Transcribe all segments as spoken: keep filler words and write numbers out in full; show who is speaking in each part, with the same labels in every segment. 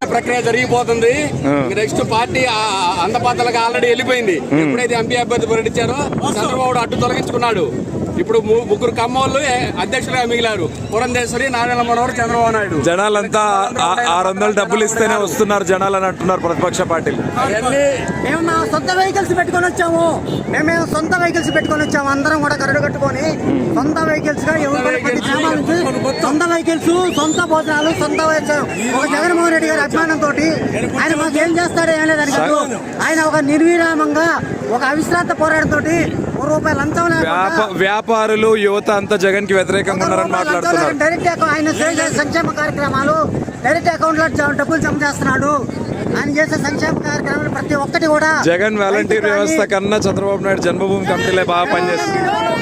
Speaker 1: ప్రక్రియ జరిగిపోతుంది. Next party అందపాతలకు already వెళ్ళిపోయింది. ఎప్పుడైతే ఎంపీ అభ్యర్థి ప్రకటించారో చంద్రబాబు అడ్డు తొలగించుకున్నాడు. ఇప్పుడు ముగ్గురు కమ్మోళ్ళు అధ్యక్షులుగా మిగిలారు. పురంధేశ్వరి, నారాయణ మనోహర్, చంద్రబాబు నాయుడు.
Speaker 2: జనాలంతా ఆరు వందలు డబ్బులు ఇస్తేనే వస్తున్నారు జనాలు అని అంటున్నారు ప్రతిపక్ష పార్టీలు.
Speaker 3: మేము మా సొంత వెహికల్స్ పెట్టుకొని వచ్చాము. మేము సొంత వెహికల్స్ పెట్టుకొని వచ్చాము. అందరం కూడా కరడు కట్టుకొని సొంత వెహికల్స్ గా సొంత వెహికల్స్, సొంత భోజనాలు, సొంత ఒక జగన్మోహన్ రెడ్డి గారి అభిమానంతో ఆయన మాకు ఏం చేస్తాడో ఏం లేదు అడిగారు. ఆయన ఒక నిర్విరామంగా ఒక అవిశ్రాంత పోరాటంతో రూపాయలు లంచం
Speaker 2: వ్యాపారులు యువత అంతా జగన్ కి వ్యతిరేకంగా ఉన్నారని మాట్లాడుతున్నారు.
Speaker 3: డైరెక్ట్ ఆయన సంక్షేమ కార్యక్రమాలు డైరెక్ట్ అకౌంట్ లో డబ్బులు జమ చేస్తున్నాడు. ఆయన చేసే సంక్షేమ కార్యక్రమాలు ప్రతి ఒక్కటి కూడా
Speaker 2: జగన్ వాలంటీర్ వ్యవస్థ కన్నా చంద్రబాబు నాయుడు జన్మభూమి కమిటీలే బాగా పనిచేస్తుంది.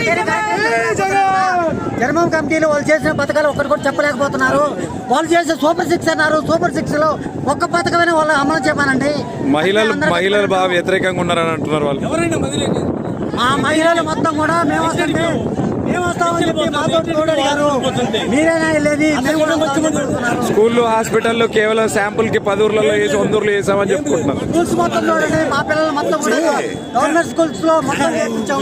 Speaker 3: జన్మభూమి కమిటీలు వాళ్ళు చేసిన పథకాలు ఒక్కటి కూడా చెప్పలేకపోతున్నారు. వాళ్ళు చేసే సూపర్ సిక్స్ అన్నారు. సూపర్ సిక్స్ లో ఒక్క పథకమైన వాళ్ళు అమలు చెప్పానండి. మహిళలు
Speaker 2: మహిళలు బాగా వ్యతిరేకంగా ఉన్నారని అంటున్నారు వాళ్ళు.
Speaker 3: మా మహిళలు మొత్తం కూడా మేము వస్తుంటే మేము వస్తామని చెప్పి మాతో అడిగారు. మీరేనా వెళ్ళేది?
Speaker 2: స్కూళ్ళు, హాస్పిటల్లో కేవలం శాంపుల్ కి పది ఊర్లలో వేసి వంద ఊర్లు వేసామని చెప్పుకుంటున్నారు.
Speaker 3: స్కూల్స్ మొత్తం చూడండి. మా పిల్లలు మొత్తం కూడా గవర్నమెంట్ స్కూల్స్ లో మొత్తం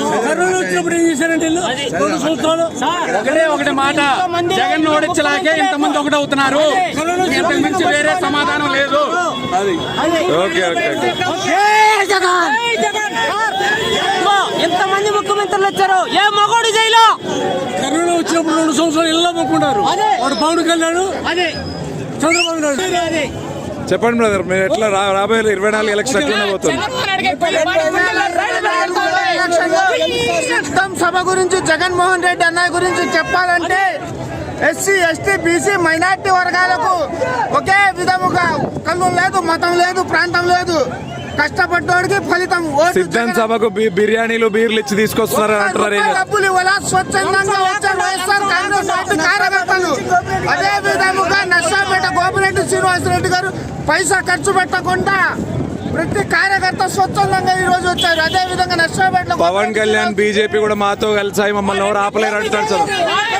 Speaker 1: ఒకటే ఒకటి మాట, జగన్ ఓడించలాగే ఇంతమంది ఒకటి అవుతున్నారు. ఇంతకు మించి వేరే సమాధానం లేదు.
Speaker 2: ఓకే ఓకే
Speaker 3: ఎంతమంది ముఖ్యమంత్రులు వచ్చారు? ఏ మగోడు జైలు
Speaker 4: కరోనా వచ్చినప్పుడు రెండు సంవత్సరాలు ఇళ్ళ మొక్కున్నారు. వాడు పవన్ కళ్యాణ్, చంద్రబాబు నాయుడు.
Speaker 2: చెప్పండి బ్రదర్, మీరు ఎట్లా రాబోయే ఇరవై నాలుగు ఎలక్షన్ ఎట్లా పోతుంది?
Speaker 3: సభ గురించి జగన్మోహన్ రెడ్డి అన్నయ్య గురించి చెప్పాలంటే ఎస్సీ, ఎస్టీ, బీసీ, మైనార్టీ వర్గాలకు ఒకే విధముగా కళ్ళు లేదు, మతం లేదు, ప్రాంతం లేదు. కష్టపడ్డోడికి ఫలితం.
Speaker 2: సిద్ధం సభకు బిర్యానీలు, బీర్లు ఇచ్చి తీసుకొస్తున్నారు అంటున్నారు.
Speaker 3: డబ్బులు ఇవ్వాల స్వచ్ఛందంగా వచ్చే వైఎస్ఆర్ కాంగ్రెస్ పార్టీ కార్యకర్తలు. అదే విధముగా నర్సాపేట గోపిరెడ్డి శ్రీనివాసరెడ్డి గారు పైసా ఖర్చు పెట్టకుండా ప్రతి కార్యకర్త స్వచ్ఛందంగా ఈ రోజు వచ్చారు. అదే విధంగా నర్సాపేటలో
Speaker 2: పవన్ కళ్యాణ్, బీజేపీ కూడా మాతో కలిసాయి, మమ్మల్ని ఎవరు ఆపలేరు అంటున్నారు సార్.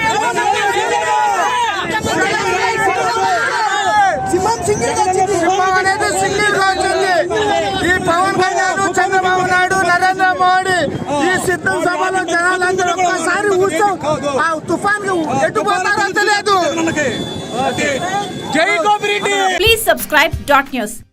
Speaker 3: ఈ పవన్ కళ్యాణ్, చంద్రబాబు నాయుడు, నరేంద్ర మోడీ ఈ సిద్ధం సభలో జనాలందరూ ఒక్కసారి ఉత్సవం ఆ తుఫాన్ ఎట్టుపోతారో తెలియదు.
Speaker 5: Please subscribe dot news.